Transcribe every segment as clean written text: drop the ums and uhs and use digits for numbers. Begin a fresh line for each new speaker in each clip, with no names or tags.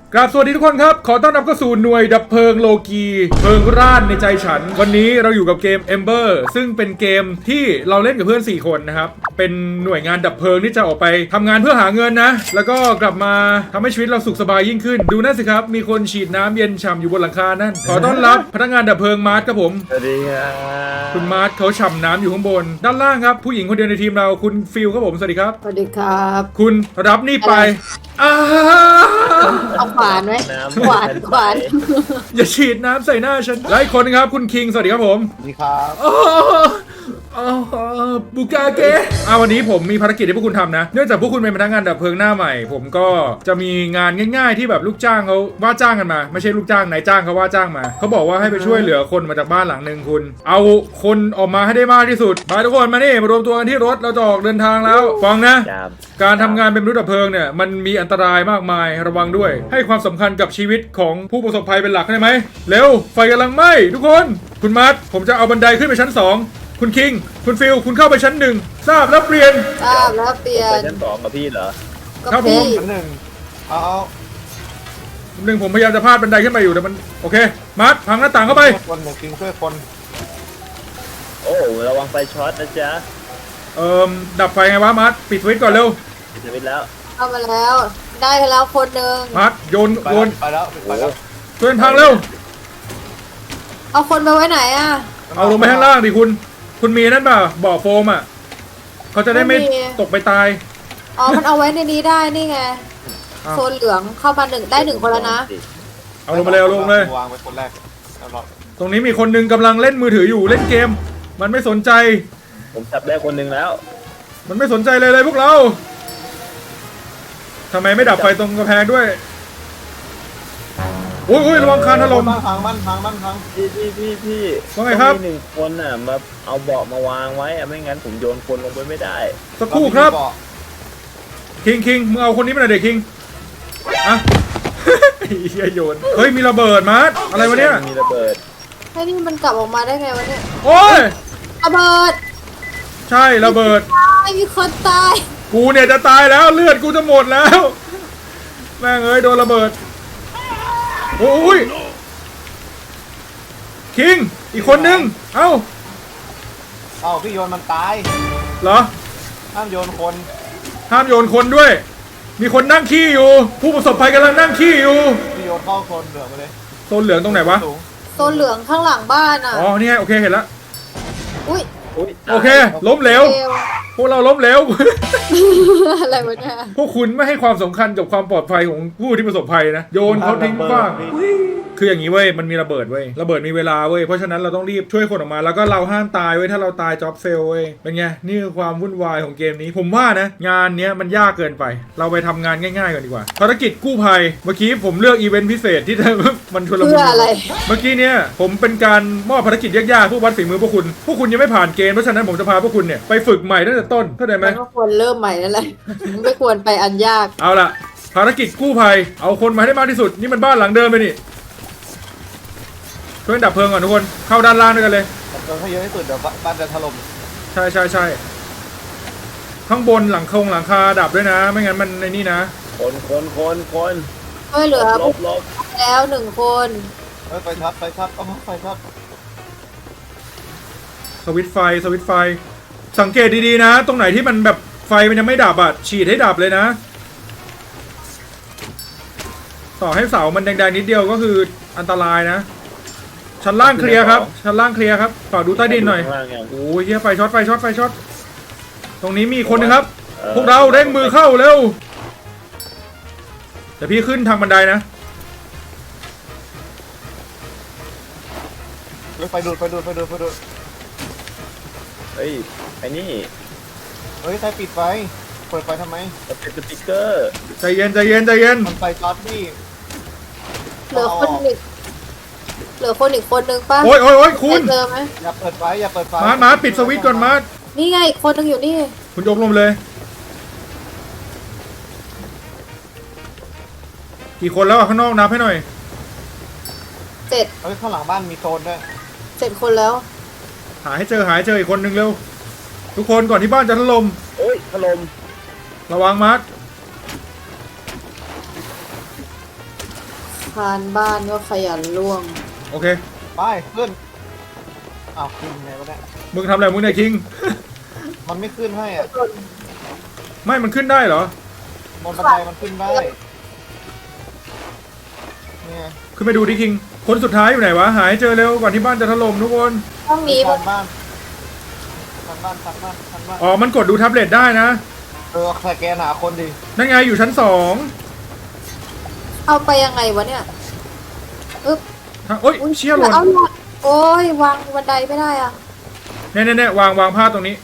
กราบสวัสดีทุกคนครับขอต้อนรับเข้าสู่หน่วยดับเพลิงโลกีเพลิงร่านในใจฉันวันนี้เราอยู่กับเกม Ember ซึ่งเป็นเกมที่เราเล่นกับเพื่อน4คนนะครับเป็นหน่วยงานดับเพลิงที่จะออกไปทำงานเพื่อหาเงินนะแล้วก็กลับมาทำให้ชีวิตเราสุขสบายยิ่งขึ้นดูนั่นสิครับมีคนฉีดน้ำเย็นฉ่ำอยู่บนหลังคานั่นขอต้อนรับพนักงานดับเพลิงมาร์ทครับผม
สวัสดีครับ
คุณมาร์ทเขาฉ่ำน้ำอยู่ข้างบนด้านล่างครับผู้หญิงคนเดียวในทีมเราคุณฟิลครับผมสวัสดีครับ
สวัสดีครับ
คุณรับนี่ไปอ้า
เอาขวานไหมขวานขวาน
อย่าฉีดน้ำใส่หน้าฉันและอีกคนนึงครับคุณคิงสวัสดีครับผม
สวัสดีครับ
บุกาเกะวันนี้ผมมีภารกิจให้พวกคุณทำนะเนื่องจากพวกคุณเป็นพนักงานดับเพลิงหน้าใหม่ผมก็จะมีงานง่ายๆที่แบบลูกจ้างเขาว่าจ้างกันมาไม่ใช่ลูกจ้างนายจ้างเขาว่าจ้างมาเขาบอกว่าให้ไปช่วยเหลือคนมาจากบ้านหลังหนึ่งคุณเอาคนออกมาให้ได้มากที่สุดไปทุกคนมานี่มารวมตัวกันที่รถเราจะออกเดินทางแล้วฟังนะ การทำงานเป็นมนุษย์ดับเพลิงเนี่ยมันมีอันตรายมากมายระวังด้วยให้ความสำคัญกับชีวิตของผู้ประสบภัยเป็นหลักได้ไหมเร็วไฟกำลังไหม้ทุกคนคุณมาร์ทผมจะเอาบันไดขึ้นไปชั้น2คุณคิงคุณฟิลคุณเข้าไปชั้น1ทราบแล้วเปลี่ยน
ทราบแล้วเปลี่ย
ไป
น
ชั้น2กับพี่เหรอ
ครับผม
พี่
ชั้นหนึ่งเอา
ผมพยายามจะพาดบันไดขึ้นไปอยู่แต่มันโอเคมาร์ทพังหน้าต่างเข้าไป
คนหนึ่งกิงช่วยคน
โอ้ระวังไฟช็อตนะจ๊ะ
ดับไฟไงวะมาร์ทปิดสวิตช์ก่อนเร็ว
ปิดสวิตช์แล้ว
เข้ามาแล้วได้แล้วคนหนึ่ง
มาร์ทโยน
ไป
โย
แล้ว
น
ไปแล้วไปแล้ว
ช่วยพังเร็ว
เอาคนไปไว้ไหนอ่ะ
เอาลงไปข้างล่างดิคุณมีนั่นป่ะบ่อโฟมอ่ะเขาจะได้ไม่ตกไปตาย
อ๋อมันเอาไว้ในนี้ได้นี่ไง
อ้าว
โซนเหลืองเข้ามาได้หนึ่งคนแล้วนะ
เอาลงมาเลยเอาลงเลย
วางไว้คนแรกแล้วเรา
ตรงนี้มีคนหนึงกำลังเล่นมือถืออยู่เล่นเกม มันไม่สนใจ
ผมจับได้คนหนึ่งแล้ว
มันไม่สนใจเลยพวกเราทำไมไม่ดับไฟตรงกระแพงด้วยโอ้ยระวังคานถล่ม
บ้านพังบ้านพังบ้านพัง
พี่
ว่าไงครับ
ต้องมี1คนน่ะมาเอาเบาะมาวางไว้อะไม่งั้นผมโยนคนลงไปไม่ได้
สักครู่ครับคิงมึงเอาคนนี้มาหน่อยเด็กคิงอะ เฮียโยนเฮ้ยมีระเบิดมาร์ทอะไรวะเนี่ย
มีระเบิด
ไอ้นี่มันกลับออกมาได้ไงวะเนี่ย
โอ้ย
ระเบิด
ใช่ระเบิด
ตายมีคนตาย
กูเนี่ยจะตายแล้วเลือดกูจะหมดแล้วแม่งเอ้ยโดนระเบิดโอ้ยคิงอีกคนนึงเอ้า
เอ้าพี่โยนมันตาย
เหรอ
ห้ามโยนคน
ห้ามโยนคนด้วย มีคนนั่งขี้อยู่ ผู้ประสบภัยกำลังนั่งขี้อยู่
พี่โยนเข้าโซนเหลืองมาเลย
โซนเหลืองตรงไหนวะ
สูง
โซนเหลืองข้างหลังบ้านอ่ะ
อ๋อ นี่ไงโอเคเห็นแล้ว
อุ้ย
อุ๊ย
โอเค ล้มเหลว
เร็ว
พวกเราล้มเหลว
อะไรวะเนี่ย
พวกคุณไม่ให้ความสำคัญกับความปลอดภัยของผู้ที่ประสบภัยนะ โยนเขาทิ้งขว้าง คืออย่างนี้เว้ย มันมีระเบิดเว้ย ระเบิดมีเวลาเว้ย เพราะฉะนั้นเราต้องรีบช่วยคนออกมา แล้วก็เราห้ามตายเว้ย ถ้าเราตายจ็อบเฟลเว้ย เป็นไง นี่คือความวุ่นวายของเกมนี้ ผมว่านะ งานเนี้ยมันยากเกินไป เราไปทำงานง่ายๆกันดีกว่า ภารกิจกู้ภัย เมื่อกี้ผมเลือกอีเวนต์พิเศษที่ มันชวนละมุ
เพื่ออะไร
เมื่อกี้เนี่ยผมเป็นการมอบภารกิจยากๆเพื่อวัดฝีมือพวกคุณ พวกคุณยังไม่ผ่านเกณฑ์ เพราะฉะนั้นผมจะพาพวกคุณเนี่ยไปฝึกใหม่ตั้งแต่ต้น เข้าใจไหม
มันก็ควรเริ่มใหม่นั่นแหละ ไม่ควรไปอันยาก
เอาล่ะ ภารกิจกู้ภัย เอาคนมาให้ได้มากที่สุด นี่มันบ้านหลังเดิมเลยนี่ช่วยดับเพลิงก่อนทุกคน เข้าด้านล่างด้วยกันเลย
โดนให้เยอะที่สุดเดี๋ยวบ้านจะถล่ม
ใช่ข้างบนหลังคาดับด้วยนะ ไม่งั้นมันในนี่นะ
คน
ช่วยเหลือ
ล
ผู้
บลบ
แล้วหนึ่งคน
เฮ้ยไฟช็อตไฟช็อตเอาไฟช็อต
สวิตช์ไฟ สังเกตดีๆนะ ตรงไหนที่มันแบบไฟมันยังไม่ดับอ่ะ ฉีดให้ดับเลยนะ ต่อให้เสามันแดงๆนิดเดียวก็คืออันตรายนะ ชั้นล่างเคลียร์ครับ ฝากดูใต้ดินหน่อย
ข้างล่างยัง
โอ้ยเฮียไฟช็อต ตรงนี้มีคนหนึงครับ พวกเราเร่งมือเข้าเร็ว เดี๋ยวพี่ขึ้นทางบันไดนะ
เฮ้ยไฟดูด
เฮ้ยไอ้นี่
เฮ้ยใครปิดไฟเปิดไฟทำไม
มันเป็นสติ๊กเกอร์
ใจเย็น
มันไฟช็อตพี่
เหลือคนอีกคนหนึ่งป่ะ
โอ้ยคุณ
ได้เจอไหม
อย่าเปิดไฟอย่าเปิดไฟ
มาปิดสวิตช์ก่อนมา
นี่ไงอีกคนหนึ่งอยู่นี่
คุณยกลงเลย กี่คนแล้วอะข้างนอกนับให้หน่อย
เจ็ด
เฮ้ยข้างหลังบ้านมีโซนด้วย
คนแล้ว
หาให้เจออีกคนหนึ่งเร็ว ทุกคนก่อนที่บ้านจะถล่ม
โอ้ยถล่ม
ระวังมาร์ค
านบ้านก็ขยันล่วง
โอเค
ไปขึ้นอ้าวขึ้นไงวะเนี่ย
มึงทำอะไรมึงเนี่ยคิง
มันไม่ขึ้นให้อ่ะ
ไม่มันขึ้นได้เหรอบ
นบันไดมันขึ้นได้เนี่ย
ขึ้นไปดูดิคิง คนสุดท้ายอยู่ไหนวะหายเจอเร็วก่อนที่บ้านจะถล่มทุกคน
ห้องนี้
ทันบ้านทันบ้านทันบ้านทันบ้าน
อ๋อมันกดดูแท็บเล็ตได้นะ
สแกนหาคนดิ
นั่นไงอยู่ชั้น
เอาไปยังไงวะเนี่ยอึ๊บ
2โอ๊ยเชี่ยหล่น
เอาหล่นโอ้ยวางบันไดไม่ได้อ่ะ
เนี่ยวางผ้าตรงนี้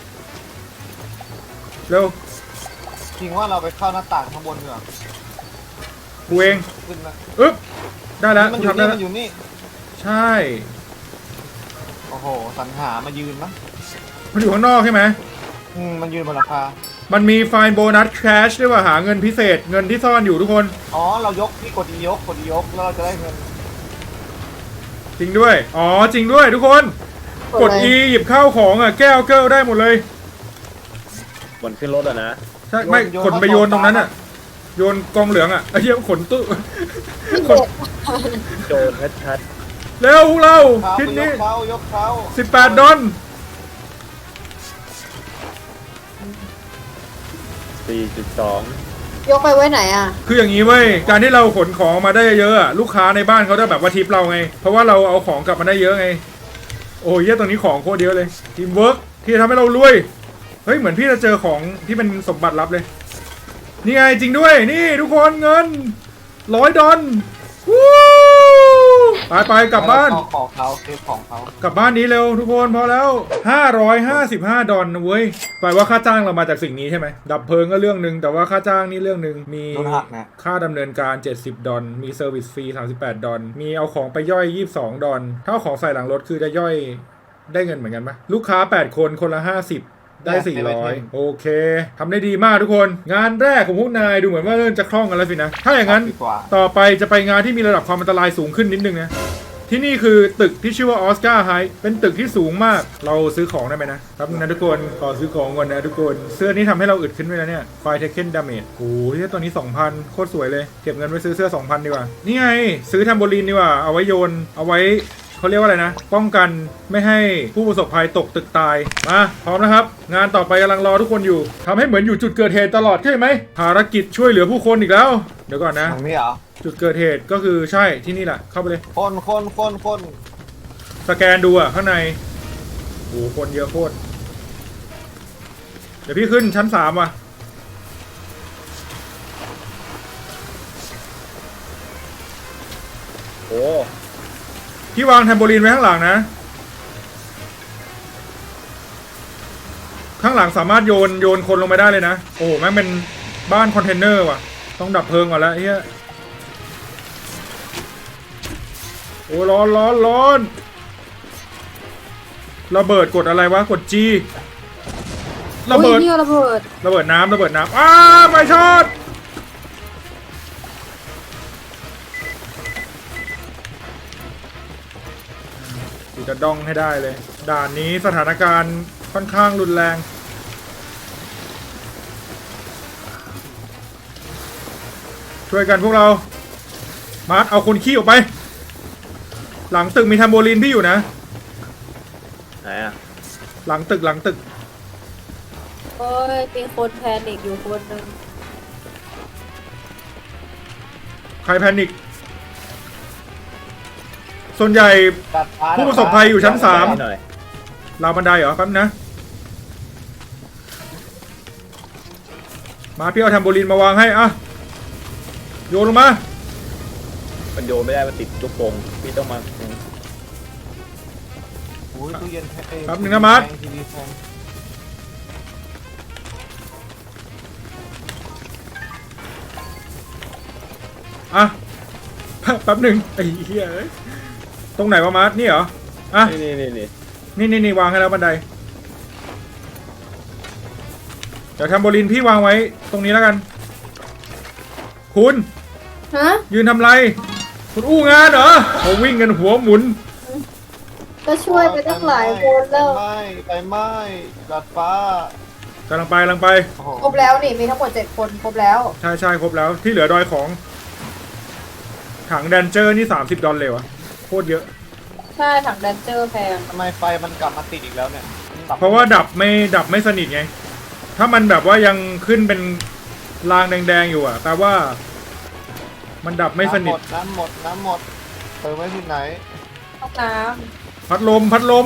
เร็ว
จริงว่าเราไปเข้าหน้าต่างข้างบนดีกว่า
กูเอง
ขึ้นนะ
อึ๊บได้แล้ว
มัน
กู
อยู่
ทำได้
นี่
แล้ว
มันอยู่นี่
ใช่
โอ้โหสรรหามายืนมั้ง
มันอยู่ข้างนอกใช่ไหม
มันยืนบนหลังคา
มันมีไฟล์โบนัสแคชด้วยว่าหาเงินพิเศษเงินที่ซ่อนอยู่ทุกคน
อ๋อเรายกพี่กดอียกแล้วเราจะได้เงิน
จริงด้วยอ๋อจริงด้วยทุกคนกด E หยิบข้าวของอ่ะแก้วเกิลได้หมดเลย
บนขึ้นรถอะนะ
ใช่ไม่ขนไปโยนตรงนั้นอ่ะโยนกองเหลืองอ่ะไอ้เหี้ยขนตู้
พี่
ข
เด็
น
ก
โจรชัด
เร็วพวกเรา
เขา
ทิศ
ย
นี้
กเขายกเขา
18 ดอล
ๆ4.2
ยกไปไว้ไหนอ่ะ
คืออย่างนี้เว้ยการที่เราขนของมาได้เยอะอะลูกค้าในบ้านเขาจะแบบว่าทิปเราไง เพราะว่าเราเอาของกลับมาได้เยอะไง โอ้ยเหี้ยตรงนี้ของโคตรเยอะเลยทีมเวิร์กที่จะทำให้เรารวยเฮ้ยเหมือนพี่จะเจอของที่เป็นสมบัติลับเลยนี่ไงจริงด้วยนี่ทุกคนเงิน100 ดอลวู้ไปกลับบ้าน
เอของเขาเก็บของเขา
กลับบ้านนี้เร็วทุกคนพอแล้ว555 ดอลนะเว้ยแปลว่าค่าจ้างเรามาจากสิ่งนี้ใช่ไหมดับเพลิงก็เรื่องหนึ่งแต่ว่าค่าจ้างนี่เรื่องหนึ่งมี
โดนหักนะ
ค่าดำเนินการ70 ดอลมีเซอร์วิสฟรี38 ดอลมีเอาของไปย่อย22 ดอลถ้าเอาของใส่หลังรถคือจะย่อยได้เงินเหมือนกันปะลูกค้า8 คนคนละ50ได้400โอเคทำได้ดีมากทุกคนงานแรกของพวกนายดูเหมือนว่าเริ่มจะคล่องกันแล้วสินะถ้าอย่างนั้น
ดีกว่า
ต่อไปจะไปงานที่มีระดับความอันตรายสูงขึ้นนิดนึงนะ ที่นี่คือตึกที่ชื่อว่าออสการ์ไฮเป็นตึกที่สูงมาก เราซื้อของได้ไหมนะครับนะทุกคนขอซื้อของก่อนนะทุกคน เสื้อนี้ทำให้เราอึดขึ้นไปแล้วเนี่ยไฟเทคเคนดาเมจโอ้ยตัวนี้ 2,000 โคตรสวยเลย เก็บเงินไว้ซื้อเสื้อ 2,000 ดีกว่า นี่ไง ซื้อแทมโบลีนดีกว่า เอาไว้โยน เอาไว้เขาเรียกว่าอะไรนะ ป้องกันไม่ให้ผู้ประสบภัยตกตึกตาย มาพร้อมนะครับ งานต่อไปกำลังรอทุกคนอยู่ทำให้เหมือนอยู่จุดเกิดเหตุตลอดใช่ไหมภารกิจช่วยเหลือผู้คนอีกแล้ว เดี๋ยวก่อนนะ
ตรงนี้เหรอ
จุดเกิดเหตุก็คือใช่ที่นี่แหละเข้าไปเลย
คน
สแกนดูอ่ะข้างในโอ้โหคนเยอะโคตรเดี๋ยวพี่ขึ้นชั้น3ว่ะ
โอ้
พี่วางแทมโบลีนไว้ข้างหลังนะ ข้างหลังสามารถโยนคนลงไปได้เลยนะ โอ้โหแม่งเป็นบ้านคอนเทนเนอร์ว่ะ ต้องดับเพลิงก่อนแล้วเฮียโอ้ร้อนระเบิดกดอะไรวะกด G ระเบิด
อุ๊ยเนี่ยระเบิด
ระเบิดน้ำอ้าไฟช็อตกูจะด้องให้ได้เลย ด่านนี้สถานการณ์ค่อนข้างรุนแรง ช่วยกันพวกเรา มาร์ทเอาคนขี้ออกไป หลังตึกมีแทมโบลีนพี่อยู่นะ
ไหนอะ
หลังตึก
โอ้ยมีคนแพนิคอยู่คนหนึ่ง
ใครแพนิคส่วนใหญ่
ตัดฟ้า
ผู้ประสบภัยอยู่ชั้น
หน่อย
ราวบันไดเหรอแป๊บนะ มาพี่เอาแทมโบลีนมาวางให้อะโยนลงมา
มันโยนไม่ได้มันติดลูกโป่งพี่ต้องมา
โอ้ยตู้เย็น
แป๊บนึงนะมาร์ท
ทีวีแพง
อ่ะ แป๊บหนึ่งไอ้เหี้ยเอ้ยตรงไหนวะมาร์ทนี่เหรออ่ะ
นี่
นี่วางให้แล้วบันไดเดี๋ยวแทมโบลีนพี่วางไว้ตรงนี้แล้วกัน คุณ
ฮะ
ยืนทำไร คุณอู้งานเหรอเขาวิ่งกันหัวหมุน
ก็ช่วยไปตั้งหลายคนแล้ว
ไฟไหม้ดัดฟ้าก
ำลังไป
โอ้โห
ครบแล้วนี่มีทั้งหมด7 คนครบแล้ว
ใช่ครบแล้วที่เหลือดอยของถังแดนเจอร์นี่$30เลยวะโคตรเยอะ
ใช่ถังแดนเจอร์แพง
ทำไมไฟมันกลับมาติดอีกแล้วเนี่ย
เพราะว่าดับไม่สนิทไง ถ้ามันแบบว่ายังขึ้นเป็นรางแดงๆอยู่อะแปลว่า มันดับไม่สนิท
น้ำหมดเติมไว้ที่ไหน
ห้องน้
พัดลม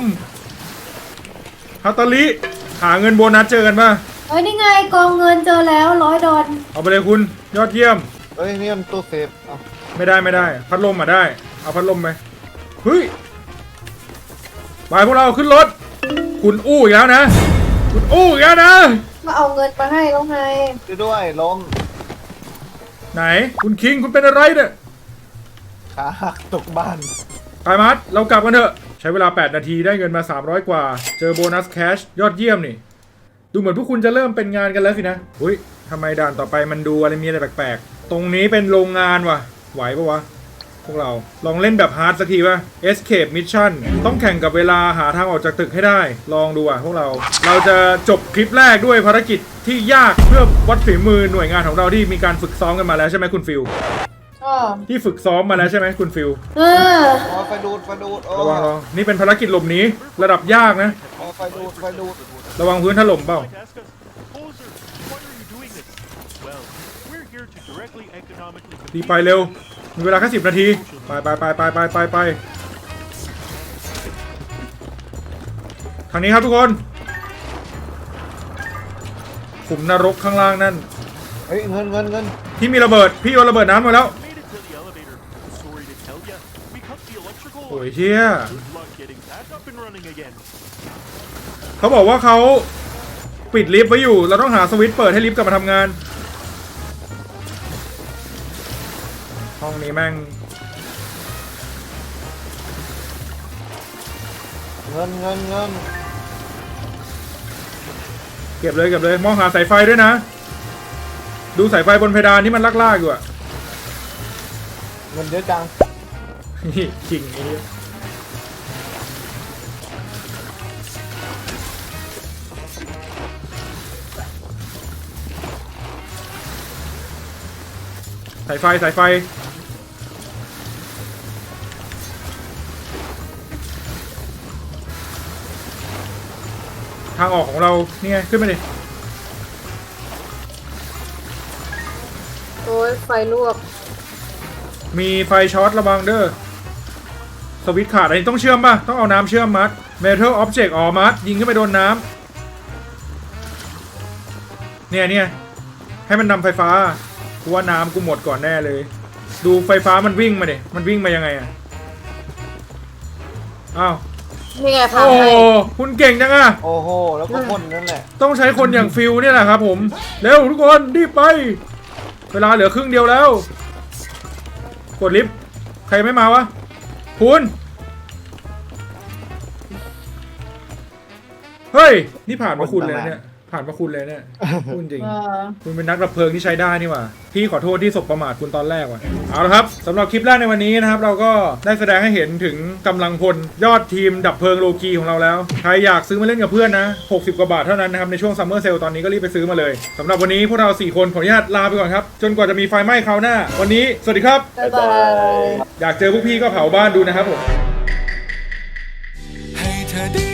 ฮัตตาลิหาเงินโบนัสเจอกันป่ะ
ำเฮ้ยนี่ไงกองเงินเจอแล้ว$100
เอาไปเลยคุณยอดเยี่ยม
เฮ้ยนี่มันตู้เซฟเอา
ไม่ได้พัดลมมาได้ เอาพัดลมไปเฮ้ยไปพวกเราขึ้นรถคุณอู้อีกแล้วนะ คุณอู้อีกแล้วนะ
มาเอาเงินมาให้แล้วไง
ด้วยล้ม
ไหนคุณคิงคุณเป็นอะไรเนี่ย
ขาหักตกบ้าน
ไปมัดเรากลับกันเถอะใช้เวลา8นาทีได้เงินมา300กว่าเจอโบนัสแคชยอดเยี่ยมนี่ดูเหมือนพวกคุณจะเริ่มเป็นงานกันแล้วสินะอุ้ยทำไมด่านต่อไปมันดูอะไรมีอะไรแปลกๆตรงนี้เป็นโรงงานว่ะไหวปะวะพวกเราลองเล่นแบบฮาร์ดสักทีป่ะ Escape Mission ต้องแข่งกับเวลาหาทางออกจากตึกให้ได้ลองดูอ่ะพวกเราจะจบคลิปแรกด้วยภารกิจที่ยากเพื่อวัดฝีมือหน่วยงานของเราที่มีการฝึกซ้อมกันมาแล้วใช่ไหมคุณฟิลที่ฝึกซ้อมมาแล้วใช่ไหมคุณฟิล
เออ
อ๋อไฟดูดโอ้
ระวังนี่เป็นภารกิจหลบหนีระดับยากนะ
อ๋อไฟดูด
ระวังพื้นถล่มเปล่า
Poser, why are you doing this? Well, we're here to directly economically
รีบไปเร็ว มีเวลาแค่10 นาที ไปทางนี้ครับทุกคนขุมนรกข้างล่างนั่น
เฮ้ยเงิน
ที่มีระเบิด พี่โยนระเบิดน้ำมาแล้ว
made it to the elevator. Sorry to tell ya, we cut the electrical
โอ้ย
line.
เชี่ย
Good luck getting that up and running again.
เขาบอกว่าเขาปิดลิฟต์ไว้อยู่ เราต้องหาสวิตช์เปิดให้ลิฟต์กลับมาทำงาน ห้องนี้แม่ง
เงิน
เก็บเลยมองหาสายไฟด้วยนะ ดูสายไฟบนเพดานที่มันลากๆอยู่อะ
เงินเยอะจัง
นี่จริงนี่สายไฟทางออกของเรานี่ไงขึ้นมาดิ
โอ้ยไฟลวก
มีไฟช็อตระวังเด้อสวิตช์ขาดอันนี้ต้องเชื่อมป่ะต้องเอาน้ำเชื่อมมัด Metal Object อ๋อมัดยิงขึ้นไปโดนน้ำเนี่ยให้มันนำไฟฟ้ากูว่าน้ำกูหมดก่อนแน่เลย ดูไฟฟ้ามันวิ่งมาดิมันวิ่งมายังไงอะอ้าว
นี่ไงพา
โอ้
ให้
คุณเก่งจังอะ
โอ้โหแล้วก็พ่นนั่นแหละ
ต้องใช้คนอย่างฟิลเนี่ยแหละครับผมเร็วทุกคนรีบไป เวลาเหลือครึ่งเดียวแล้วกดลิฟต์ใครไม่มาวะคุณเฮ้ยนี่ผ่านมาคุณเลยนะเนี่ยผ่านมาคุณเลยเนี่ยพูดจริง คุณเป็นนักดับเพลิงที่ใช้ได้นี่หว่าพี่ขอโทษที่สบประมาทคุณตอนแรกว่ะเอาละครับสำหรับคลิปแรกในวันนี้นะครับเราก็ได้แสดงให้เห็นถึงกำลังพลยอดทีมดับเพลิงโลกีของเราแล้วใครอยากซื้อมาเล่นกับเพื่อนนะ60กว่าบาทเท่านั้นนะครับในช่วงซัมเมอร์เซลตอนนี้ก็รีบไปซื้อมาเลยสำหรับวันนี้พวกเรา4คนขออนุญาตลาไปก่อนครับจนกว่าจะมีไฟไหม้คราวหน้าวันนี้สวัสดีครับ
บ๊ายบาย
อยากเจอพวกพี่ก็เผาบ้านดูนะครับผม
ให้เธอได้